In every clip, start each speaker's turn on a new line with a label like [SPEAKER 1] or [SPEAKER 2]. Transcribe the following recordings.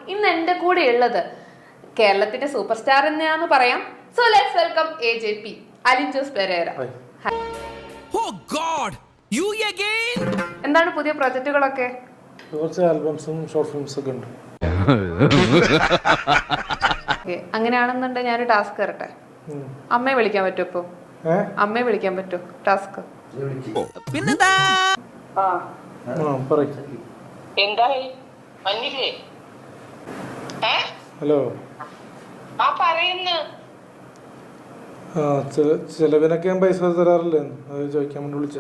[SPEAKER 1] ഇന്ന് എൻ്റെ കൂടെ ഉള്ളത് കേരളത്തിന്റെ സൂപ്പർ സ്റ്റാർ എന്നാന്ന് പറയാം. So let's welcome AJP Alin Jose Perera. എന്താണ് പുതിയ പ്രൊജക്റ്റുകളൊക്കെ?
[SPEAKER 2] കുറച്ച് ആൽബംസും ഷോർട്ട് ഫിലിംസും ഒക്കെ ഉണ്ട്.
[SPEAKER 1] അങ്ങനെയാണെന്നുണ്ടെങ്കിൽ ഞാനൊരു ടാസ്ക് തരട്ടെ. അമ്മയെ വിളിക്കാൻ പറ്റുമോ? ഇപ്പൊ അമ്മയെ വിളിക്കാൻ പറ്റുമോ? Task
[SPEAKER 2] hello. ചെലവിനൊക്കെ ഞാൻ പൈസ തരാറില്ലേ? അത് ചോദിക്കാൻ വേണ്ടി വിളിച്ച.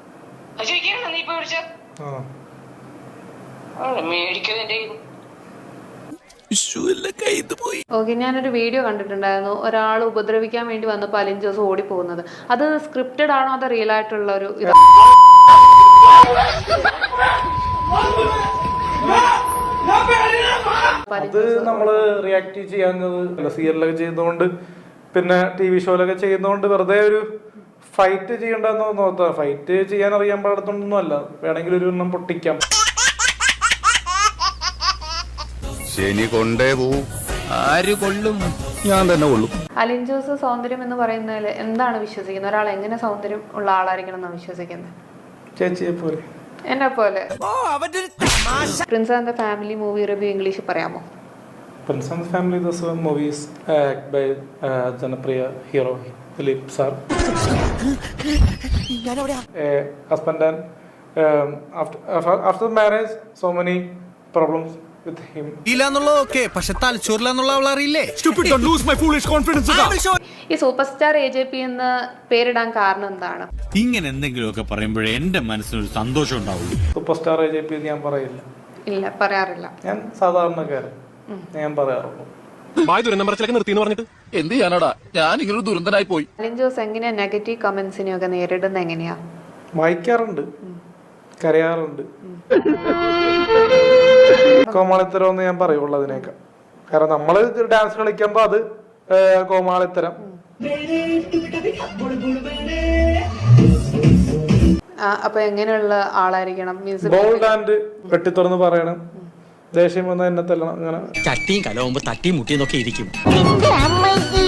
[SPEAKER 1] ഓക്കെ, ഞാനൊരു വീഡിയോ കണ്ടിട്ടുണ്ടായിരുന്നു. ഒരാൾ ഉപദ്രവിക്കാൻ വേണ്ടി വന്നപ്പോൾ അലിൻ ജോസ് ഓടിപ്പോകുന്നത്. അത് സ്ക്രിപ്റ്റഡ് ആണോ അതോ റിയൽ ആയിട്ടുള്ള ഒരു
[SPEAKER 2] അത് നമ്മള് റിയാക്ട് ചെയ്യാവുന്നത് സീരിയലൊക്കെ ചെയ്യുന്നതുകൊണ്ട് പിന്നെ TV ഷോയിലൊക്കെ ചെയ്യുന്നതുകൊണ്ട് വെറുതെ ഒരു ഫൈറ്റ് ചെയ്യണ്ടെന്ന് നോക്കാം. ഫൈറ്റ് ചെയ്യാൻ അറിയാൻ പാടത്തൊന്നും അല്ല, വേണമെങ്കിൽ ഒരു എണ്ണം പൊട്ടിക്കാം.
[SPEAKER 3] ശനി കൊണ്ടേ പോവും. ആര് കൊള്ളും? ഞാൻ തന്നെ കൊള്ളും.
[SPEAKER 1] അലിൻ ജോസ് സൗന്ദര്യം എന്ന് പറയുന്നതിൽ എന്താണ് വിശ്വസിക്കുന്നത്? ഒരാൾ എങ്ങനെ സൗന്ദര്യം ഉള്ള ആളായിരിക്കണം എന്നാണ് വിശ്വസിക്കുന്നത്?
[SPEAKER 2] ചേച്ചിയെ പോലെ,
[SPEAKER 1] എന്നെ പോലെ. Prince and the family movie review English പറയാമോ?
[SPEAKER 2] Prince and the Family, this movie is by Janapriya hero Dilip sir. Husband and after marriage, so many problems with him.
[SPEAKER 3] പക്ഷെ തലച്ചോറിലെന്നുള്ള അവൾ അറിയില്ലേ?
[SPEAKER 1] ഈ സൂപ്പർ സ്റ്റാർ AJP എന്ന് പേരിടാൻ കാരണം എന്താണ്?
[SPEAKER 4] ഇങ്ങനെ എന്തെങ്കിലുമൊക്കെ പറയുമ്പോഴേ എന്റെ മനസ്സിനൊരു സന്തോഷം ഉണ്ടാവുള്ളൂ.
[SPEAKER 2] സൂപ്പർ സ്റ്റാർ AJP ഞാൻ പറയില്ല.
[SPEAKER 1] ഇല്ല, പറയാറില്ല.
[SPEAKER 2] ഞാൻ സാധാരണക്കാരൻ, ഞാൻ പറയാറുള്ളൂ.
[SPEAKER 3] എന്ത് ചെയ്യാനടാ, ഞാൻ ഇങ്ങനെ ദുരന്തനായി പോയി.
[SPEAKER 1] അലിൻ ജോസ് എങ്ങനെയാ നെഗറ്റീവ് കമന്റ്സിനെയൊക്കെ നേരിടുന്നത്? എങ്ങനെയാ?
[SPEAKER 2] വായിക്കാറുണ്ട്, കരയാറുണ്ട്. കോമാളിത്തരം എന്ന് ഞാൻ പറയുള്ളൂ അതിനേക്കാൾ. കാരണം നമ്മള് ഡാൻസ് കളിക്കുമ്പോ അത് കോമാളിത്തരം.
[SPEAKER 1] അപ്പൊ എങ്ങനെയുള്ള ആളായിരിക്കണം?
[SPEAKER 2] ബോൾഡ് ആൻഡ് വെട്ടിത്തുറന്ന് പറയണം. ദേഷ്യം വന്നാൽ എന്നെ തല്ലണം. അങ്ങനെ
[SPEAKER 5] ചട്ടിയും കലവുമ്പോ തട്ടിയും മുട്ടിയും നോക്കി ഇരിക്കും.